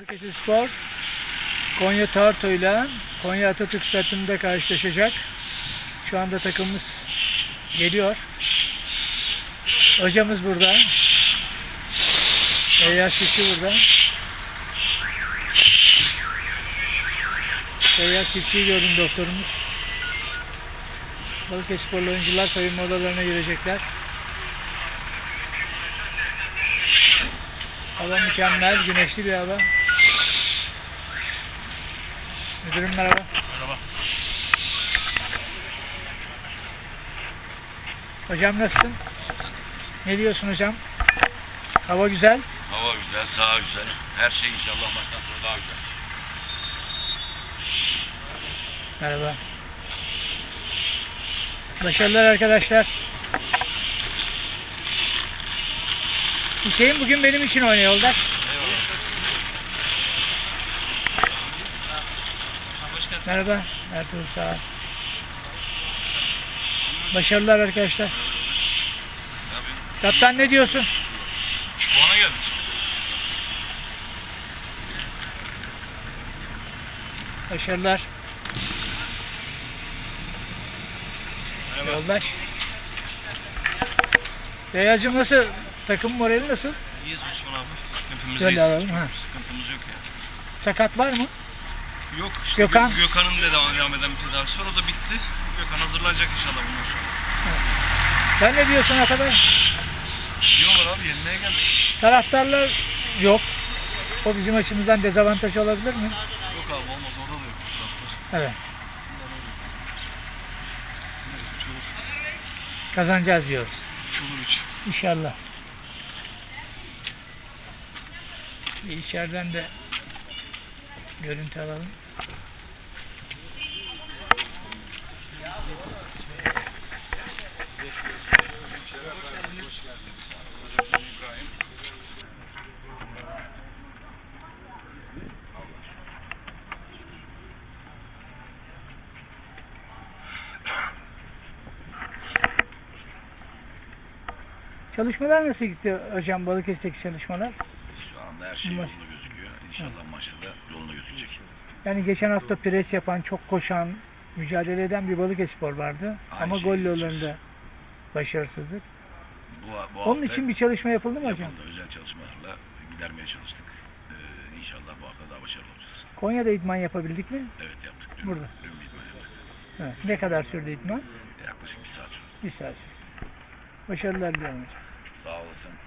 Balıkesirspor Konya Tarto ile Konya Atatürk Stadı'nda karşılaşacak. Şu anda takımımız geliyor. Hocamız burada. Seyyar Çiftçi burada. Seyyar Çiftçi'yi gördüm, doktorumuz. Balıkesirsporlu oyuncular soyunma odalarına girecekler. Hava mükemmel, güneşli bir hava. Müdürüm merhaba. Merhaba. Hocam nasılsın? Ne diyorsun hocam? Hava güzel. Hava güzel, saha güzel. Her şey inşallah maçtan sonra daha güzel. Merhaba. Başarılar arkadaşlar. Hüseyin bugün benim için oynuyor Yoldaş. Merhaba. Ertuğrul sağ ol. Başarılar arkadaşlar. Kaptan ne diyorsun? Puana geldik. Başarılar. Merhaba. Yoldaş. Beyazcığım nasıl? Takım morali nasıl? İyiyiz Osman abi. Hepimiz Şöyle iyiyiz. alalım, ha. Sıkıntımız yok ya. Sakat var mı? Yok. İşte Gökhan? Gökhan'ın da devam eden bir tedavisi var. O da bitti. Gökhan hazırlanacak inşallah bundan sonra. Evet. Sen ne diyorsun arkadaş? Diyorlar abi, yenmeye geldik. Taraftarlar yok. O bizim açımızdan dezavantaj olabilir mi? Yok abi, olmaz. Orada da yok. Taraftar. Evet. Bunlar öyle. Neyse, çoluk. Kazanacağız diyoruz. Çoluk üç. İnşallah. Bir içeriden de görüntü alalım. Çalışmalar nasıl gitti hocam, Balıkesir'deki çalışmalar? Şu anda her şey yolunda gözüküyor. İnşallah maçta da yolunda gözükecek. Yani geçen hafta pres yapan, çok koşan, mücadele eden bir Balıkesirspor vardı. Aynı Ama şey gol yapacağız. yollarında başarısızlık. Bu Onun hafta için bir çalışma yapıldı mı hocam? yapıldı. Özel çalışmalarla gidermeye çalıştık. İnşallah bu hafta daha başarılı olacağız. Konya'da idman yapabildik mi? Evet, yaptık. Burada. Dün bir idman yaptık. Evet. Ne kadar sürdü idman? Yaklaşık bir saat. Bir saat. Başarılar diliyorum hocam. Sağ olasın.